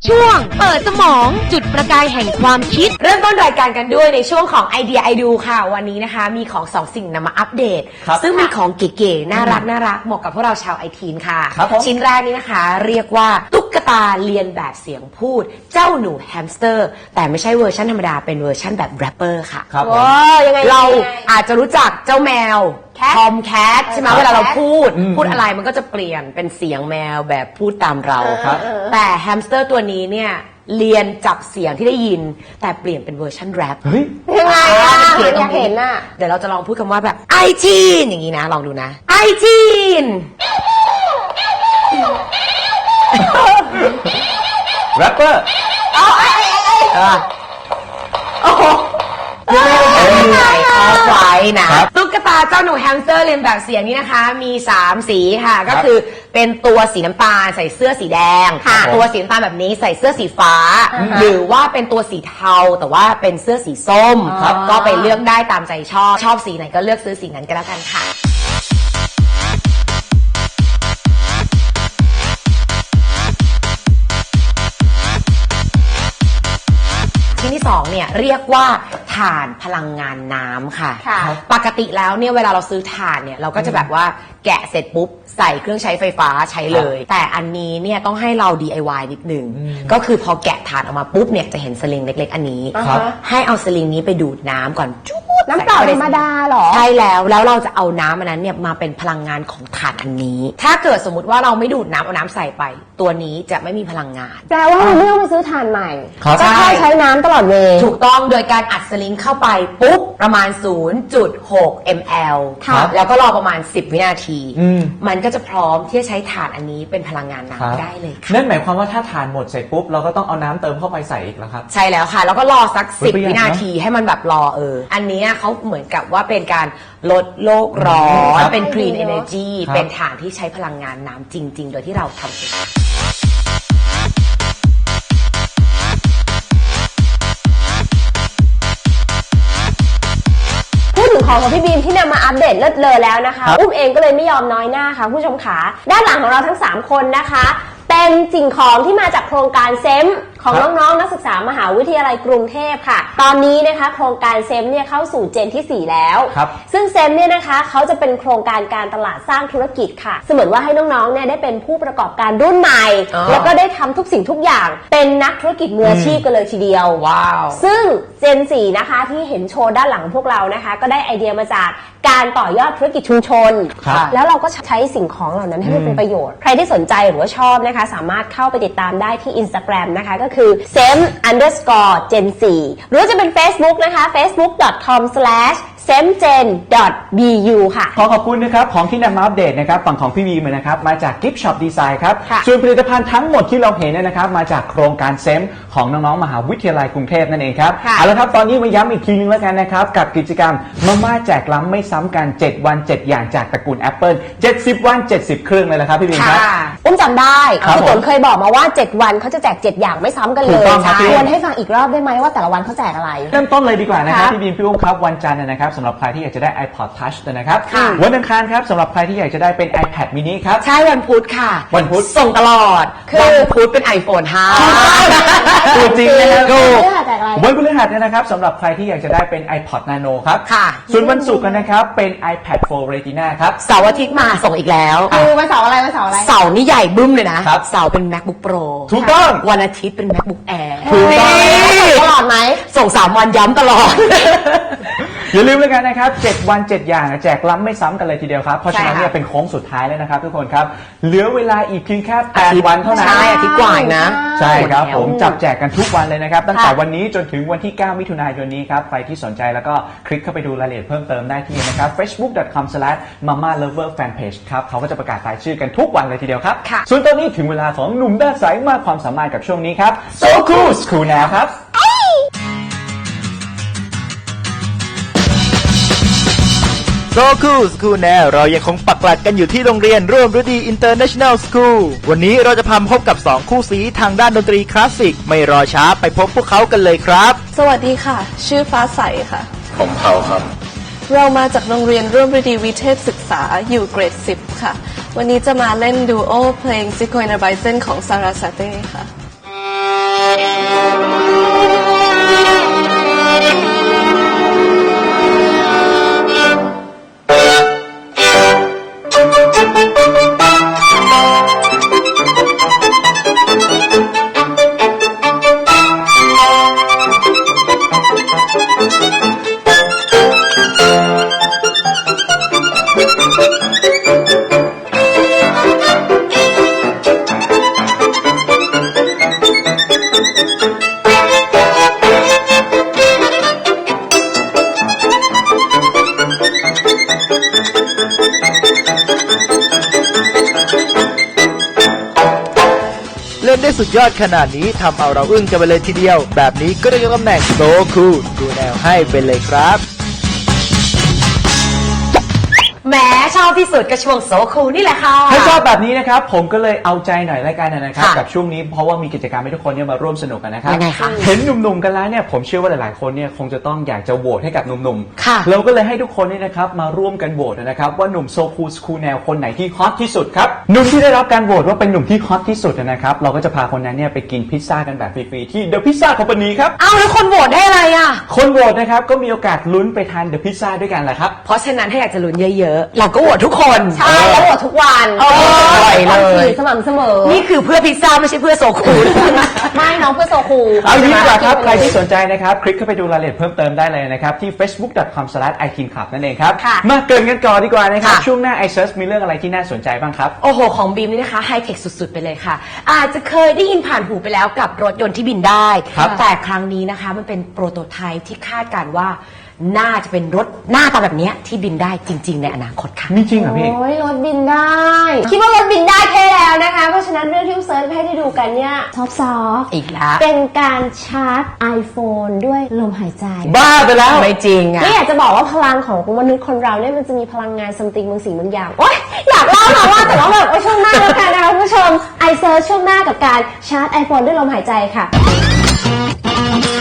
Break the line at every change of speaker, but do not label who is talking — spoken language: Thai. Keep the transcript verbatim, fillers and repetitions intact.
ช่วงเปิดสมองจุดประกายแห่งความคิด
เริ่มต้นรายการกันด้วยในช่วงของไอเดียไอดูค่ะวันนี้นะคะมีของสองสิ่งนำมาอัปเดตซึ่งเป็นของเก๋ๆน่ารักน่ารักเหมาะกับพวกเราชาวไอทีนค่ะชิ้นแรกนี้นะคะเรียกว่าตุ๊กตาเรียนแบบเสียงพูดเจ้าหนูแฮมสเตอร์แต่ไม่ใช่เวอร์ชันธรรมดาเป็นเวอร์ชันแบบแรปเปอร์ค่ะว้ายังไงเราอาจจะรู้จักเจ้าแมวทอมแคทใช่ไหมเวลาเราพูดพูดอะไรมันก็จะเปลี่ยนเป็นเสียงแมวแบบพูดตามเราแต่แฮมสเตอร์ตัวนี้เนี่ยเรียนจับเสียงที่ได้ยินแต่เปลี่ยนเป็นเวอร์ชันแรปยังไงอ่ะอยากเห็นอ่ะเดี๋ยวเราจะลองพูดคำว่าแบบไอจีนอย่างนี้นะลองดูนะไอจีน
แรปเปอร์
เอาไอไอไอโอ้โหยังไงเอาไว้นะตุ๊กตาเจ้าหนูแฮมสเตอร์เรียนแบบเสียงนี้นะคะมีสามสีค่ะก็คือเป็นตัวสีน้ำตาลใส่เสื้อสีแดงตัวสีน้ำตาลแบบนี้ใส่เสื้อสีฟ้าหรือว่าเป็นตัวสีเทาแต่ว่าเป็นเสื้อสีส้มก็ไปเลือกได้ตามใจชอบชอบสีไหนก็เลือกซื้อสีนั้นก็แล้วกันค่ะชิ้นที่สองเนี่ยเรียกว่าถ่านพลังงานน้ำค่ะปกติแล้วเนี่ยเวลาเราซื้อถ่านเนี่ยเราก็จะแบบว่าแกะเสร็จปุ๊บใส่เครื่องใช้ไฟฟ้าใช้เลยแต่อันนี้เนี่ยต้องให้เรา ดี ไอ วาย นิดนึงก็คือพอแกะถ่านออกมาปุ๊บเนี่ยจะเห็นสลิงเล็กๆอันนี้ให้เอาสลิงนี้ไปดูดน้ำก่อนจุ๊บ
น้ำเปล่าธรรมดาหรอ
ใช่แล้วแล้วเราจะเอาน้ำอันนั้นเนี่ยมาเป็นพลังงานของถ่านอันนี้ถ้าเกิดสมมติว่าเราไม่ดูดน้ำเอาน้ำใส่ไปตัวนี้จะไม่มีพลังงาน
แปลว่าเราไม่ต้องไปซื้อถ่านใหม่ก็แค่ใช้น้ำตลอดเวลา
ถูกต้องโดยการอัดสลิงเข้าไปปุ๊บประมาณ ศูนย์จุดหก มิลลิลิตร แล้วก็รอประมาณสิบวินาทีมันก็จะพร้อมที่จะใช้ถ่านอันนี้เป็นพลังงานน้ำได้เลยค่ะ
นั่นหมายความว่าถ้าถ่านหมดเสร็จปุ๊บเราก็ต้องเอาน้ำเติมเข้าไปใส่อีกแล้วครับ
ใช่แล้วค่ะแล้วก็รอสักสิบวินาทีให้มันแบบรอเอออันนี้เขาเหมือนกับว่าเป็นการลดโลกร้อนเป็น Green Energy เป็นถ่านที่ใช้พลังงานน้ำจริงๆโดยที่เราทำเอง
ของของพี่บีมที่นำมาอัปเดตเลิศเลอแล้วนะคะอุ้มเองก็เลยไม่ยอมน้อยหน้าค่ะผู้ชมขาด้านหลังของเราทั้งสามคนนะคะเป็นสิ่งของที่มาจากโครงการเซมของน้องๆนักศึกษามหาวิทยาลัยกรุงเทพค่ะตอนนี้นะคะโครงการเซมเนี่ยเข้าสู่เจนที่สี่แล้วซึ่งเซมเนี่ยนะคะเขาจะเป็นโครงการการตลาดสร้างธุรกิจค่ะเสมือนว่าให้น้องๆเนี่ยได้เป็นผู้ประกอบการรุ่นใหม่แล้วก็ได้ทำทุกสิ่งทุกอย่างเป็นนักธุรกิจมืออาชีพกันเลยทีเดียว
ว้าว
ซึ่งเจนสี่นะคะที่เห็นโชว์ด้านหลังพวกเรานะคะก็ได้ไอเดียมาจากการต่อยอดธุรกิจชุมชนแล้วเราก็ใช้สิ่งของเหล่านั้นให้มันเป็นประโยชน์ใครที่สนใจหรือว่าชอบนะคะสามารถเข้าไปติดตามได้ที่ Instagram นะคะก็คือ เซม อันเดอร์สกอร์ เจน โฟร์ หรือจะเป็น Facebook นะคะ เฟซบุ๊ก ดอท คอม สแลช เซมเจน ดอท บี ยู ค่ะ
ขอขอบคุณนะครับของที่นำมาอัปเดตนะครับฝั่งของพี่วีมานะครับมาจาก Gift Shop Design ครับส่วนผลิตภัณฑ์ทั้งหมดที่เราเห็นนะครับมาจากโครงการเซมของน้องๆมหาวิทยาลัยกรุงเทพนั่นเองครับเอาละครับตอนนี้มาย้ำอีกทีนึงแล้วกันนะครับกับกิจกรรมมาม่าแจกล้ำไม่ซ้ำกันเจ็ดวันเจ็ดอย่างจากตระกูล Apple เจ็ดสิบวันเจ็ดสิบเครื่องเลยละครับพี่วีครับ
อุ้มจำได้พี่ตุ่นเคยบอกมาว่าเจ็ดวันเขาจะแจกเจ็ดอย่างไม่ซ้ำกันเลยชวนให้ฟังอีกรอบได้ไหมว่าแต่ละวันเขาแจกอะไร
เริ่มต้นเลยดีกว่านะครับพี่บีมพี่อุ้มครับวันจันทร์นะครับสำหรับใครที่อยากจะได้ iPod Touch นะครับวันอังคารครับสำหรับใครที่อยากจะได้เป็น iPad mini ครับ
ใช่วันพุธค่ะ
วันพุธ
ส่งตลอดวันพุธเป็น ไอโฟน ห้า
ตัวจริงนะครับวันพฤหัสนะครับสำหรับใครที่อยากจะได้เป็น iPod Nano ครับส่วนวันศุกร์นะครับเป็น iPad โฟร์ Retina ครับ
เสาร์อาทิตย์มาส่งอีกแล้ว
คือวันเสาร์อะไรวันเสาร์อะไร
เสาร์นี่ใหญ่บึ้มเลยนะเสาร์เป็น MacBook Pro
ถูกต้อง
วันอาทิตย์เป็น MacBook Air
ถูกต้องตลอดไหม
ส่งสามวันย้ำตลอด
อย่าลืมเลยกันนะครับเจ็ดวันเจ็ดอย่างแจกล้ำไม่ซ้ำกันเลยทีเดียวครับเพราะฉะนั้นเนี่ยเป็นโค้งสุดท้ายแล้วนะครับทุกคนครับเหลือเวลาอีกเพียงแค่แปดวันเท่านั้น
ใช่อาทิตย์กว่านะ
ใช่ครับผมจับแจกกันทุกวันเลยนะครับตั้งแต่วันนี้จนถึงวันที่เก้ามิถุนายนนี้ครับใครที่สนใจแล้วก็คลิกเข้าไปดูรายละเอียดเพิ่มเติมได้ที่นะครับ เฟซบุ๊ก ดอท คอม สแลช มาม่า เลฟเวอร์ แฟนเพจ ครับเขาก็จะประกาศรายชื่อกันทุกวันเลยทีเดียวครับส่วนตอนนี้ถึงเวลาของหนุ่มด้านใสมากความสามารถกับช่วงนี้ครับ So Cool School Now ครับ
โซคูลสคูลแนวเรายังคงปักหลักกันอยู่ที่โรงเรียนร่วมฤดีอินเตอร์เนชั่นแนลสคูลวันนี้เราจะพาพบกับสองคู่สีทางด้านดนตรีคลาสสิกไม่รอช้าไปพบพวกเขากันเลยครับ
สวัสดีค่ะชื่อฟ้าใสค่ะ
ผมเผาครับ
เรามาจากโรงเรียนร่วมฤดีวิเทศศึกษาอยู่เกรดสิบค่ะวันนี้จะมาเล่นดูโอเพลงซิโคอินาไบเซนของซาราซาเต้ค่ะ
สุดยอดขนาดนี้ทำเอาเราอึ้งกันไปเลยทีเดียว แบบนี้ก็ได้ยกตำแหน่ง So Cool ดูแนวให้ไปเลยครับ
แหมชอบที่สุดก็ช่วงโซคูนี่แหละค่ะ
ถ้าชอบแบบนี้นะครับผมก็เลยเอาใจหน่อยละกันนะครับ
ค่ะ
กับช่วงนี้เพราะว่ามีกิจกรรมให้ทุกคนเนี่ยมาร่วมสนุกกันนะครับ
ยังไงคะ
เห็นหนุ่มๆกันแล้วเนี่ยผมเชื่อว่าหลายๆคนเนี่ยคงจะต้องอยากจะโหวตให้กับหนุ่ม
ค่ะ
เราก็เลยให้ทุกคนเนี่ยนะครับมาร่วมกันโหวตนะครับว่าหนุ่มโซคูสคูลแนวคนไหนที่ฮอตที่สุดครับหนุ่มที่ได้รับการโหวตว่าเป็นหนุ่มที่ฮอตที่สุดนะครับเราก็จะพาคนนั้นเนี่ยไปกินพิซซ่ากันแบบฟรีๆที่ The Pizza Company ครับ
เอ้าแล้วคนโหวตได้อะไรอ่ะ
คนโหวตนะครับก็มีโอกาสลุ้นไปทาน The Pizza ด้วยกันแหละครับ
เพราะฉะนั้นถ้าอยากจะลุ้นเยอะๆ เราก็โหวตทุกคน
ใช่แล้วโหวตทุกวัน
โอ้ยเลย
สม่ำเสมอ
นี่คือเพื่อพิซซ่าไม่ใช่เพื่อโซคูล
ไม่น้องเพื่อโซคู
เอางี้ดีกว่าครับ ใครที่สนใจนะครับ คลิกเข้าไปดูรายละเอียดเพิ่มเติมได้เลยนะครับ ที่ เฟซบุ๊ก ดอท คอม สแลช ไอ ทีน คลับ นั่นเองครับ
ค่ะ
มาเกรินกันก่อนดีกว่านะครับ
ค่ะ
ช่วงหน้า iSearch มีเรื่องอะไรที่น่าสนใจบ้างครับ
โอ้โห ของบีมนี่นะคะไฮเทคสุดๆ ไปเลยค่ะ อาจจะเคยได้ยินผ่านหูไปแล้วกับรถยนต์ที่บินได้
ครับ
แต่ครั้งนี้นะคะมันเป็นโปรโตไทป์ที่คาดการณ์ว่าน่าจะเป็นรถหน้าตาแบบเนี้ยที่บินได้จริง ๆ ในอนาคตค่ะ
มีจริงเหรอพี่
โอ้ยรถบินได้ คิดว่ารถบินได้แค่แล้วนะคะ เพราะฉะนั้นเรื่องที่เซิร์ชให้ได้ดูกันเนี่ยซอฟซอฟ
อีกแล้ว
เป็นการชาร์จ iPhone ด้วยลมหายใจ
บ้าไปแล้ว
ไม่จริงอ่ะ
นี่อยากจะบอกว่าพลังของมนุษย์คนเราเนี่ยมันจะมีพลังงานซัมติงบางสิ่งบางอย่างโอ๊ยอยากเล่ามาว่าแต่ว่าแบบไว้ช่วงหน้าแล้วกันนะคะคุณผู้ชม iSearch ช่วงหน้ากับการชาร์จ iPhone ด้วยลมหายใจค่ะ